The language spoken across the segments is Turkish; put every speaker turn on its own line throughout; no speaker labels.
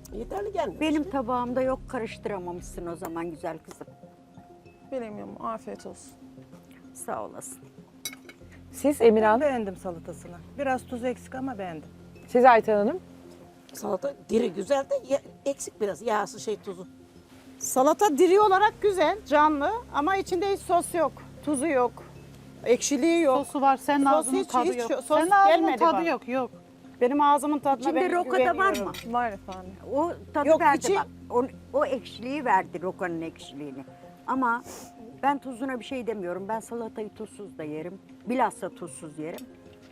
Yeterli gelmiyor.
Benim tabağımda yok, karıştıramamışsın o zaman güzel kızım.
Bilemiyorum. Afiyet olsun.
Sağ olasın.
Siz Emine Hanım,
Beğendim salatasını. Biraz tuz eksik ama beğendim.
siz Ayten Hanım.
Salata diri güzel de eksik biraz yağsı tuzu.
Salata diri olarak güzel, canlı ama içinde hiç sos yok, tuzu yok, ekşiliği yok.
Sosu var, senin
Sos
ağzının
hiç-
tadı
hiç
yok.
sos
Senin ağzının
gelmedi
tadı
bana.
yok, yok.
Benim ağzımın tadına
İçinde
ben
roka da var
güveniyorum.
mı?
Var efendim.
O tadı
Yok,
verdi
içi-
bak. O ekşiliği verdi, rokanın ekşiliğini. Ama ben tuzuna bir şey demiyorum. Ben salatayı tuzsuz da yerim. Bilhassa tuzsuz yerim.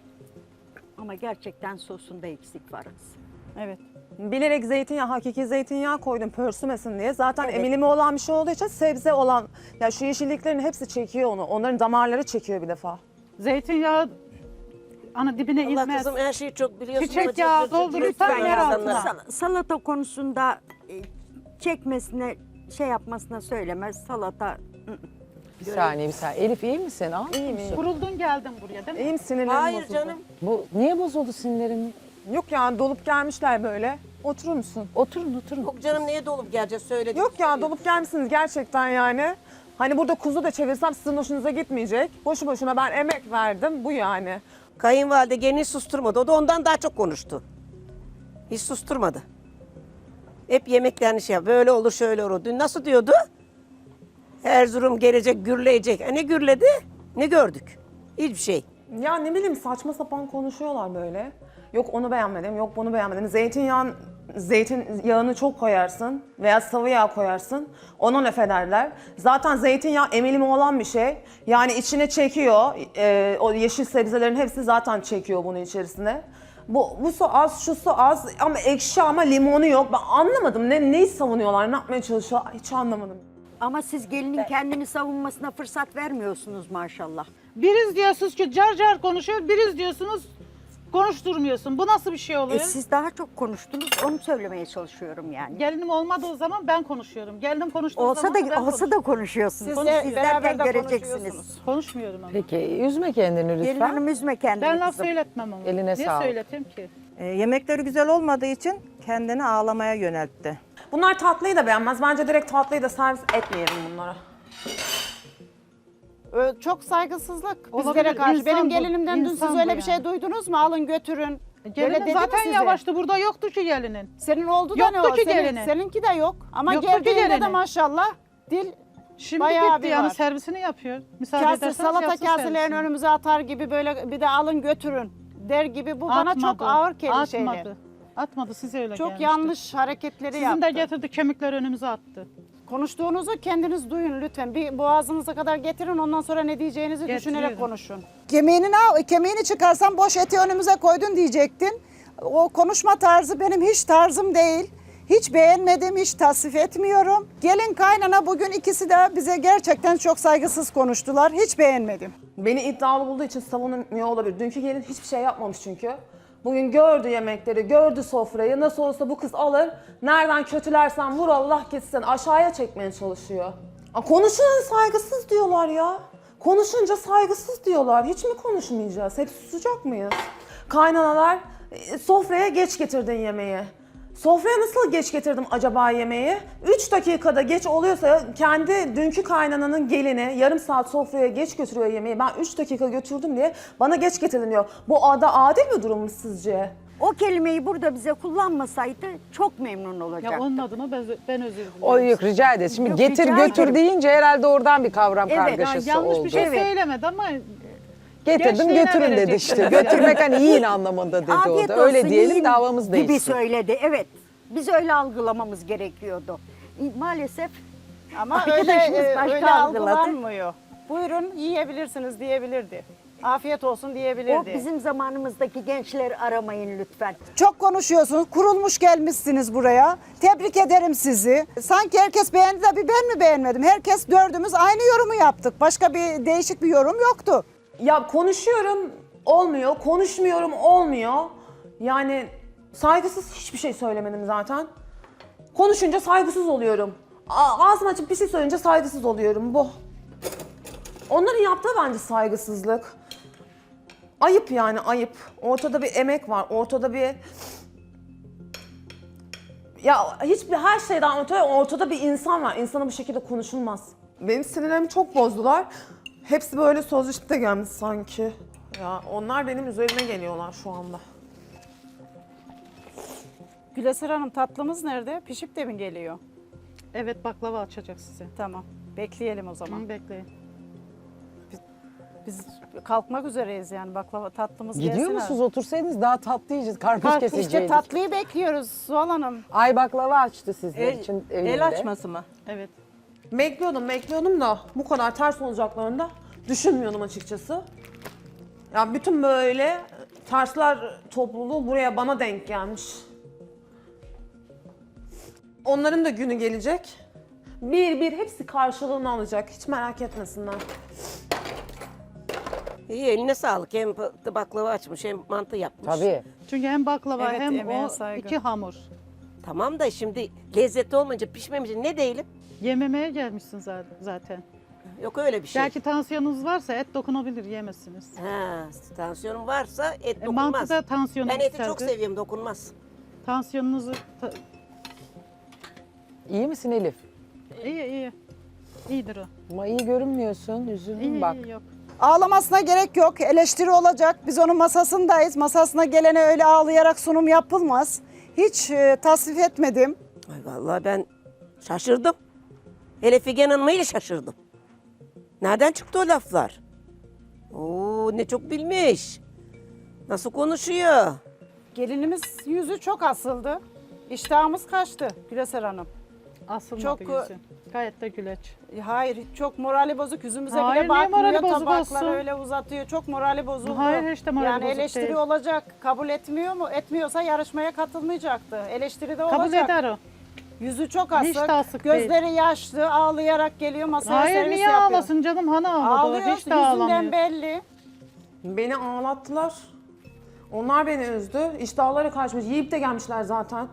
Ama gerçekten sosunda eksik var.
Evet.
Bilerek zeytinyağı, hakiki zeytinyağı koydum pörsümesin diye. Zaten
Evet.
emilimi olan bir şey olduğu için sebze olan, ya şu yeşilliklerin hepsi çekiyor onu. Onların damarları çekiyor bir defa.
Zeytinyağı ana dibine
Allah
inmez.
kızım her şeyi çok biliyorsun.
Çiçek
ama
yağı
cır cır cır
doldurursan
lütfen
yer
insanlara.
altına.
Salata konusunda çekmesine, şey yapmasına söylemez. Salata
Bir saniye. Elif iyi misin? Aa,
İyiyim iyiyim.
Kuruldun geldin buraya değil mi?
İyiyim, sinirlerim
Hayır
bozuldu.
canım.
niye bozuldu sinirlerin?
Yok ya, dolup gelmişler böyle. Oturur musun?
Oturun oturun.
Yok canım neye dolup geleceğiz söyledim.
Yok ya, dolup gelmişsiniz gerçekten yani. Hani burada kuzu da çevirsem sizin hoşunuza gitmeyecek. Boşu boşuna ben emek verdim, bu yani.
Kayınvalide gelini susturmadı. O da ondan daha çok konuştu. Hiç susturmadı. Hep yemeklerini böyle olur şöyle olur. Dün nasıl diyordu? Erzurum gelecek, gürleyecek. Ne gürledi, ne gördük. Hiçbir şey.
Ya ne bileyim, saçma sapan konuşuyorlar böyle. Yok onu beğenmedim, yok bunu beğenmedim. Zeytinyağını çok koyarsın veya sıvı yağ koyarsın. Ona laf ederler. Zaten zeytinyağı emilimi olan bir şey. Yani içine çekiyor. O yeşil sebzelerin hepsi zaten çekiyor bunu içerisine. Bu su az, şu su az ama ekşi ama limonu yok. Ben anlamadım. Neyi savunuyorlar, ne yapmaya çalışıyorlar hiç anlamadım.
ama siz gelinin kendini savunmasına fırsat vermiyorsunuz maşallah.
Biriz diyorsunuz ki car car konuşuyor, biriz diyorsunuz konuşturmuyorsun. Bu nasıl bir şey oluyor?
Siz daha çok konuştunuz, onu söylemeye çalışıyorum yani.
Gelinim olmadığı zaman ben konuşuyorum. Gelinim konuştuğu
Olsa
zaman ben
da
konuşuyorum.
konuşuyorsunuz.
Siz de
Siz
beraber
derken
de
göreceksiniz.
konuşuyorsunuz.
Konuşmuyorum ama.
Peki üzme kendini
Gelin
lütfen.
hanım üzme kendini
Ben laf
kızım.
söyletmem ama.
Eline
Niye
sağlık.
söyleteyim ki?
Yemekleri güzel olmadığı için kendini ağlamaya yöneltti.
Bunlar tatlıyı da beğenmez. Bence direkt tatlıyı da servis etmeyelim bunlara.
Çok saygısızlık
Olabilir,
bizlere karşı.
insan
Benim
bu,
gelinimden dün siz
insan bu
öyle bir şey
yani.
duydunuz mu? Alın götürün.
Gelinin
dedi mi
zaten
size?
yavaştı. Burada yoktu ki gelinin.
Senin oldu da
Yoktu
ne o?
ki gelinin.
Seninki de yok. Ama
Yoktu ki
geldiğinde de
gelinin.
maşallah dil
Şimdi
bayağı
gitti
bir
yani
var.
servisini yapıyor. Müsaade
Kase,
ederseniz
salata
yapsın
kaselerini
servisini.
önümüze atar gibi böyle bir de alın götürün der gibi bu bana çok
Atmadı,
ağır şeyler.
Atmadı. Atmadı size öyle
Çok
gelmişti.
yanlış hareketleri
Sizin
yaptı.
de getirdi kemikleri önümüze attı.
Konuştuğunuzu kendiniz duyun lütfen. Bir boğazınıza kadar getirin ondan sonra ne diyeceğinizi düşünerek
Getiriyorum.
konuşun. Kemiğini çıkarsan boş eti önümüze koydun diyecektin. O konuşma tarzı benim hiç tarzım değil. Hiç beğenmedim, hiç tasvip etmiyorum. Gelin kaynana bugün ikisi de bize gerçekten çok saygısız konuştular. Hiç beğenmedim.
Beni iddialı bulduğu için savunmuyor olabilir. Dünkü gelin hiçbir şey yapmamış çünkü. Bugün gördü yemekleri, gördü sofrayı. Nasıl olsa bu kız alır. Nereden kötülersen vur Allah gitsin. Aşağıya çekmeye çalışıyor. Konuşun saygısız diyorlar ya. Konuşunca saygısız diyorlar. Hiç mi konuşmayacağız? Hep susacak mıyız? Kaynanalar sofraya geç getirdin yemeği. Sofraya nasıl geç getirdim acaba yemeği? 3 dakikada geç oluyorsa kendi dünkü kaynananın gelini yarım saat sofraya geç götürüyor yemeği. Ben 3 dakika götürdüm diye bana geç getirdin diyor. Bu da adil bir durum mu sizce?
O kelimeyi burada bize kullanmasaydı çok memnun
Ya
olacaktım.
onun adına ben özür dilerim.
O yok rica ederiz. Şimdi
Yok,
getir
rica
götür
ederim.
deyince herhalde oradan bir kavram
Evet,
kargaşası
Yanlış
oldu.
bir şey
Evet.
söylemedi ama
Getirdim
Gençliğine
götürün dedi
verecektim
işte.
yani.
Götürmek hani yiyin anlamında dedi o
Afiyet
da. Öyle
olsun,
diyelim
yiyin
davamız
gibi
değişsin.
söyledi. Evet. Biz öyle algılamamız gerekiyordu. Maalesef
Ama
Arkadaşımız başka
öyle
algıladı.
algılanmıyor. Buyurun yiyebilirsiniz diyebilirdi. Afiyet olsun
o
diyebilirdi.
bizim zamanımızdaki gençleri aramayın lütfen.
Çok konuşuyorsunuz. Kurulmuş gelmişsiniz buraya. Tebrik ederim sizi. Sanki herkes beğendi de bir ben mi beğenmedim? Herkes dördümüz aynı yorumu yaptık. Başka bir değişik bir yorum yoktu.
Ya konuşuyorum olmuyor, konuşmuyorum olmuyor. Yani saygısız hiçbir şey söylemedim zaten. Konuşunca saygısız oluyorum. Ağzımı açıp bir şey söyleyince saygısız oluyorum bu. Onların yaptığı bence saygısızlık. Ayıp yani ayıp. Ortada bir emek var, ortada bir Ya her şeyden öte ortada bir insan var. İnsana bu şekilde konuşulmaz. Benim sinirlerimi çok bozdular. Hepsi böyle sözleşip de gelmiş sanki. Ya onlar benim üzerime geliyorlar şu anda.
Güleser Hanım tatlımız nerede? Pişip de mi geliyor?
Evet, baklava açacak size.
Tamam. Bekleyelim o zaman.
Hı, bekleyin.
Biz kalkmak üzereyiz yani baklava tatlımız
Gidiyor
gelsin.
musunuz? Otursaydınız daha tatlı yiyeceğiz. Karpuz keseceğiz.
İşte tatlıyı bekliyoruz Zuhal Hanım.
Ay baklava açtı sizler için evinde.
El açması mı?
Evet.
Bekliyordum da bu kadar ters olacaklarını da düşünmüyordum açıkçası. Ya bütün böyle tersler topluluğu buraya bana denk gelmiş. Onların da günü gelecek. Bir hepsi karşılığını alacak. Hiç merak etmesinler.
İyi eline sağlık. Hem baklava açmış hem mantı yapmış.
Tabii.
Çünkü hem baklava
Evet,
hem
emeğe
o
saygı.
iki hamur.
Tamam da şimdi lezzetli olmayınca pişmemişse ne değilim?
Yememeye gelmişsin zaten.
Yok öyle bir şey.
Belki tansiyonunuz varsa et dokunabilir, yemezsiniz.
Ha, tansiyonum varsa et dokunmaz.
Mantıda tansiyonunuz
Ben eti çok
yükseldi.
seviyorum, dokunmaz.
Tansiyonunuzu...
İyi misin Elif?
iyi. İyidir o.
Ama iyi görünmüyorsun. Üzüldüm
İyi,
bak.
iyi, yok.
Ağlamasına gerek yok. Eleştiri olacak. Biz onun masasındayız. Masasına gelene öyle ağlayarak sunum yapılmaz. Hiç tasvip etmedim.
Ay vallahi ben şaşırdım. Hele Figen Hanım'a ile şaşırdım. Nereden çıktı o laflar? Oo ne çok bilmiş. Nasıl konuşuyor?
Gelinimiz yüzü çok asıldı. İştahımız kaçtı Güleser Hanım.
Asılmadı
Çok,
yüzü. Gayet de güleç.
Hayır çok morali bozuk. Yüzümüze
Hayır,
bile
niye morali
bakmıyor.
bozuk
Tabakları
olsun?
öyle uzatıyor. Çok morali bozuldu.
Hayır, hiç de morali
yani
bozuk
eleştiri
değil.
olacak. Kabul etmiyor mu? Etmiyorsa yarışmaya katılmayacaktı. Eleştiri de
Kabul
olacak.
eder o.
Yüzü çok
Hiç de
asık.
asık
Gözleri yaşlı. Ağlayarak geliyor masaya
Hayır,
servis
niye
yapıyor.
ağlasın canım? Hani ağladı?
Ağlıyor.
Hiç de
Yüzünden
ağlamıyor.
belli.
Beni ağlattılar. Onlar beni üzdü. İştahları kaçmış. Yiyip de gelmişler zaten.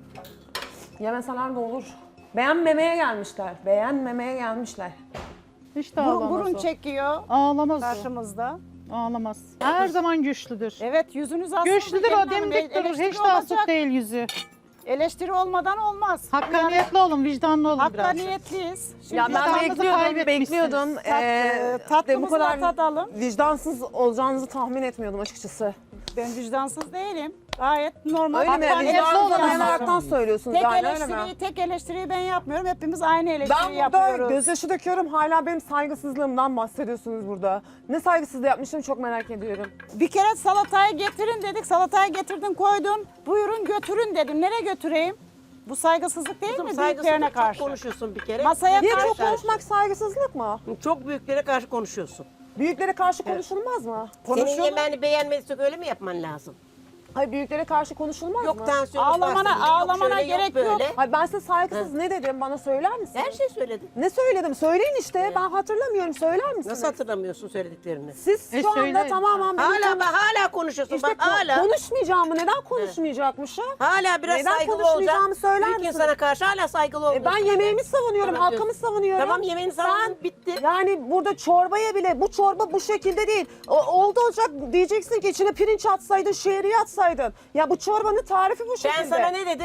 Yemeseler de olur. Beğenmemeye gelmişler. Beğenmemeye gelmişler.
Hiç de ağlamaz
Burun
o.
çekiyor
Ağlamaz o.
karşımızda.
Ağlamaz. Her zaman güçlüdür.
Evet yüzünüz asık.
Güçlüdür o, dimdik durur. Hiç de asık değil yüzü.
Eleştiri olmadan olmaz.
Hakkaniyetli olun, vicdanlı olun biraz.
Hakkaniyetliyiz. Şimdi
Ya ben
vicdanınızı
bekliyordum. Bu
tatlımızı
kadar
da tadalım.
vicdansız olacağınızı tahmin etmiyordum açıkçası.
Ben vicdansız değilim. Gayet normal.
Öyle mi?
Hakkaniyetli
Vicdansız
olalım.
dayanaraktan söylüyorsunuz
Tek
yani öyle mi?
tek eleştiriyi ben yapmıyorum. Hepimiz aynı eleştiriyi
Ben burada
yapıyoruz.
gözyaşı döküyorum. Hala benim saygısızlığımdan bahsediyorsunuz burada. Ne saygısızlığı yapmışım çok merak ediyorum.
Bir kere salatayı getirin dedik. Salatayı getirdin koydun. Buyurun götürün dedim. Nereye götüreyim? Bu saygısızlık değil
Kızım
mi büyüklerine
saygısızlık
karşı?
çok konuşuyorsun bir kere.
Masaya
Niye
karşı.
çok konuşmak saygısızlık mı?
Çok büyüklere karşı konuşuyorsun.
Büyüklere karşı konuşulmaz mı?
Senin yemeğini beğenmediysek öyle mi yapman lazım?
Hayır büyüklere karşı konuşulmaz
Yok
mı?
tansiyon
Ağlamana gerek yok.
Hayır ben size saygısız ne dedim bana söyler misiniz?
Her şey söyledin.
Ne söyledim? Söyleyin işte. Ben hatırlamıyorum. Söyler misiniz?
Nasıl hatırlamıyorsun söylediklerini?
Siz şu anda
söyleyin.
tamamen benim
Hala konuşuyorsun
işte
bak hala.
konuşmayacağımı neden konuşmayacakmışım?
Hala biraz
Neden
saygılı
konuşmayacağımı
olacaksın.
söyler
Büyük
misin?
insana karşı hala saygılı olacaksın.
Ben yemeğimi savunuyorum,
Tamam
halkımı
diyorsun.
savunuyorum.
Tamam yemeğini savundun bitti.
Yani burada çorbaya bile, bu çorba bu şekilde değil. Oldu olacak diyeceksin ki içine pirinç atsaydın, şehriye atsaydın. Ya bu çorbanın tarifi bu şekilde.
Ben sana ne dedim?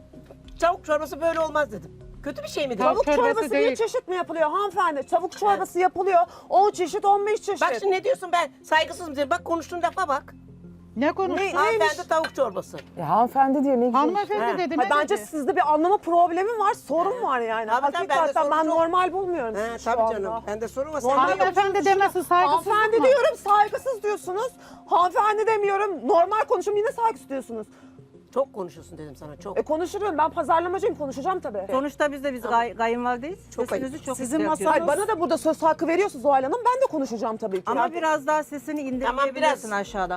Tavuk çorbası böyle olmaz dedim. Kötü bir şey mi dedim?
Tavuk
çorbası
çorbası bir
değil.
çeşit mi yapılıyor hanımefendi? Tavuk çorbası yapılıyor. 10 çeşit, 15 çeşit.
Bak şimdi ne diyorsun ben saygısız mı dedim. Bak konuştuğun lafa bak.
Ne konuştun?
Hanımefendi tavuk çorbası.
Hanımefendi diyor ne güzel.
Hanımefendi dedi, ne
Bence
dedi?
sizde bir anlama problemi var, sorun var yani.
Tabii, tabii, bende
Hakikaten
sorun
ben
çok.
normal bulmuyorum
He,
sizi şu
tabii
anda.
canım. Bende sorun var. Sen
Normal
de
Hanımefendi demesi saygısızlık
Hanımefendi
mı?
diyorum, saygısız diyorsunuz. Hanımefendi demiyorum, normal konuşuyorum yine saygısız diyorsunuz.
çok konuşuyorsun dedim sana çok.
Konuşurum, ben pazarlamacıyım, konuşacağım tabii.
Sonuçta biz kayınvalideyiz.
Çok
Sesinizi
ayıp.
çok
Sizin
yükseltiyorsunuz.
Hayır, bana da burada söz hakkı veriyorsunuz Zuhal Hanım, ben de konuşacağım tabii ki.
Ama biraz daha sesini indirebilirsin
biraz.
aşağıda.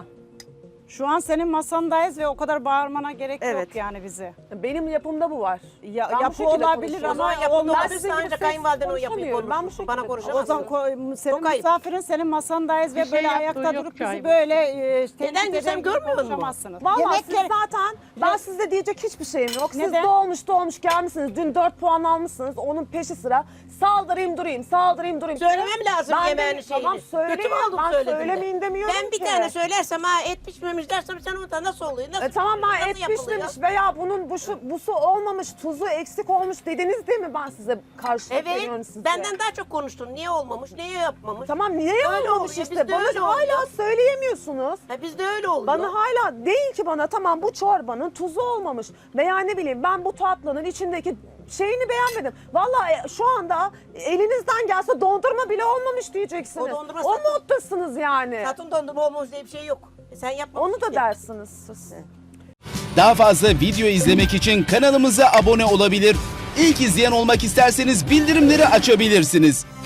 Şu an senin masandayız ve o kadar bağırmana gerek
Evet.
yok yani bize.
Benim yapımda bu var. Ben bu
Yapı
şekilde
olabilir
konuşuyorum.
O zaman
ama
yapıldı
olmaz.
olabilirse ancak kayınvaliden o yapıyı
konuşamıyorum. Ben bu
konuşur.
şekilde
Bana
O
konuşamazsın.
zaman senin
Çok ayıp.
misafirin senin masandayız ve
Bir şey
böyle
yaptığı
ayakta
yok
durup
ki
bizi
ayıp.
böyle
Neden
eder
desem
gibi
görmüyor musun?
konuşamazsınız.
Vallahi siz
Yemekleri-
zaten, ben sizde diyecek hiçbir şeyim yok. Siz
Neden?
doğmuş gelmişsiniz. Dün 4 puan almışsınız. Onun peşi sıra saldırayım durayım.
Söylemem lazım
Ben de-
yemeğini şeyini.
Tamam söyleyin.
Kötü mü oldum
Ben
söylediğimde?
söylemeyin demiyorum
Ben bir
ki.
tane söylersem ha et pişmemiş pişmemiş dersem sen orada nasıl oluyor? Nasıl
Tamam ben
nasıl
et
yapılıyor?
pişmemiş veya bunun busu olmamış, tuzu eksik olmuş dediniz değil mi ben size karşılık veriyorum
Evet,
size?
benden daha çok konuştun. Niye olmamış, niye yapmamış?
Tamam niye
Öyle
olmamış
oluyor,
işte?
bizde öyle
Bana hala
oluyor.
söyleyemiyorsunuz.
Bizde öyle oluyor.
Bana hala değil ki bana tamam bu çorbanın tuzu olmamış veya ne bileyim ben bu tatlının içindeki şeyini beğenmedim. Vallahi şu anda elinizden gelse dondurma bile olmamış diyeceksiniz.
O dondurma
O
satın-
moddasınız yani.
Satın dondurma olmuş diye bir şey yok. Sen yapmamışsın
Onu da
ki.
dersiniz siz.
Daha fazla video izlemek için kanalımıza abone olabilir. İlk izleyen olmak isterseniz bildirimleri açabilirsiniz.